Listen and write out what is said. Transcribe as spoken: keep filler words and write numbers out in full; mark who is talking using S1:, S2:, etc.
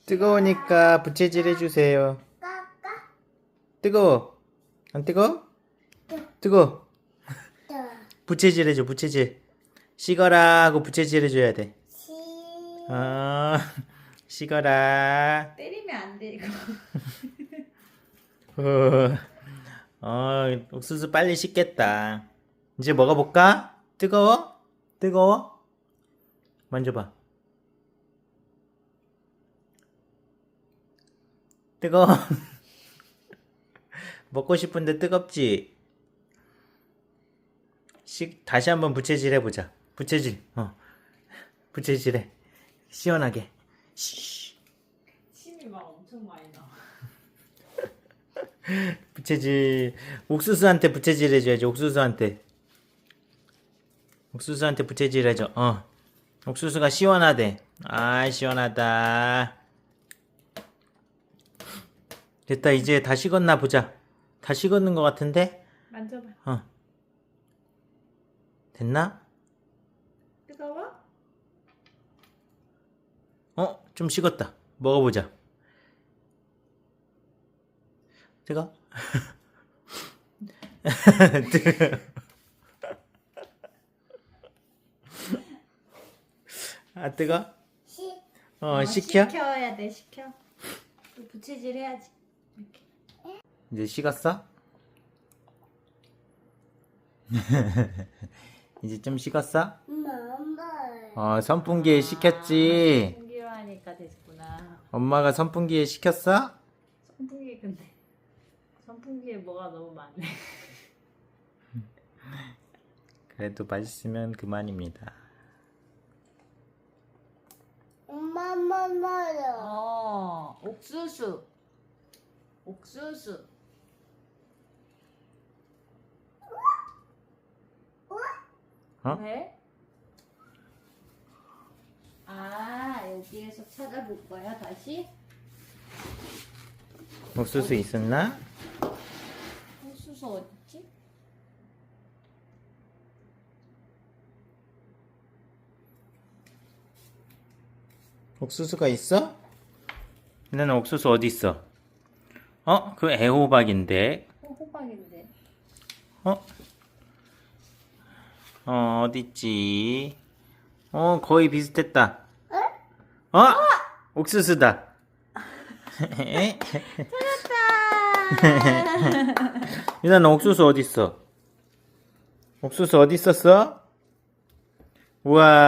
S1: 뜨거우니까 부채질 해주세요. 뜨거워. 안 뜨거워? 뜨거워. 부채질 해줘, 부채질. 식어라 하고 부채질 해줘야 돼. 어, 식어라.
S2: 때리면 안 돼, 이거.
S1: 어, 어, 옥수수 빨리 식겠다. 이제 먹어볼까? 뜨거워? 뜨거워? 만져봐. 뜨거워. 먹고 싶은데 뜨겁지? 식, 다시 한번 부채질 해보자. 부채질, 어. 부채질해. 시원하게. 쉬.
S2: 침이 막 엄청 많이 나.
S1: 부채질. 옥수수한테 부채질 해줘야지. 옥수수한테. 옥수수한테 부채질 해줘. 어. 옥수수가 시원하대. 아, 시원하다. 됐다. 이제 다 식었나 보자. 다 식었는 것 같은데?
S2: 만져봐.
S1: 어. 됐나?
S2: 뜨거워?
S1: 어? 좀 식었다. 먹어보자. 뜨거? 뜨거. 아, 뜨거? 어, 식혀?
S2: 식혀야 돼, 식혀. 또 부채질 해야지. 이렇게.
S1: 이제 식었어? 이제 좀 식었어? 어, 선풍기에 식혔지?
S2: 선풍기로 하니까 됐구나.
S1: 엄마가 선풍기에 식혔어?
S2: 선풍기 근데 선풍기에 뭐가 너무 많네.
S1: 그래도 맛있으면 그만입니다.
S3: 엄마, 엄마, 엄마요.
S2: 어, 옥수수. 옥수수.
S1: 어?
S2: 왜? 아, 여기에서 찾아볼 거야, 다시?
S1: 옥수수 있었나?
S2: 옥수수 어딨지?
S1: 옥수수가 있어? 나는 옥수수 어디 있어? 어? 그 애호박인데.
S2: 어, 호박인데.
S1: 어? 어, 어딨지? 어, 거의 비슷했다. 어? 옥수수다. 유나, 너 옥수수 어디 있어? 옥수수 어디 있었어? 우와.